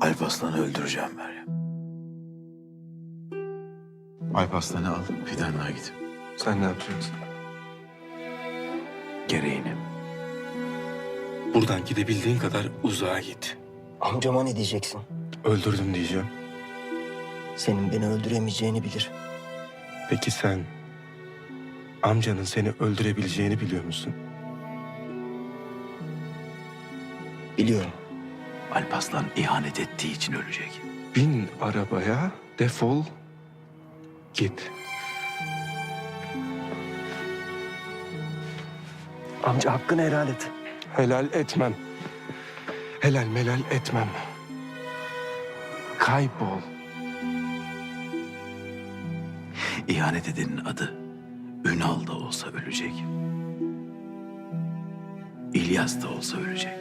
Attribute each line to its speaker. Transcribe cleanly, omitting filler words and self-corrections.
Speaker 1: Alparslan'ı öldüreceğim Meryem. Alparslan'ı al, Fidanlığa git.
Speaker 2: Sen ne yapacaksın?
Speaker 1: Gereğini.
Speaker 2: Buradan gidebildiğin kadar uzağa git.
Speaker 3: Amcama ne diyeceksin?
Speaker 2: Öldürdüm diyeceğim.
Speaker 3: Senin beni öldüremeyeceğini bilir.
Speaker 2: Peki sen amcanın seni öldürebileceğini biliyor musun?
Speaker 3: Biliyorum.
Speaker 1: Alparslan ihanet ettiği için ölecek.
Speaker 2: Bin arabaya, defol, git.
Speaker 3: Amca hakkını helal et.
Speaker 2: Helal etmem. Helal melal etmem. Kaybol.
Speaker 1: İhanet edenin adı Ünal da olsa ölecek. İlyas da olsa ölecek.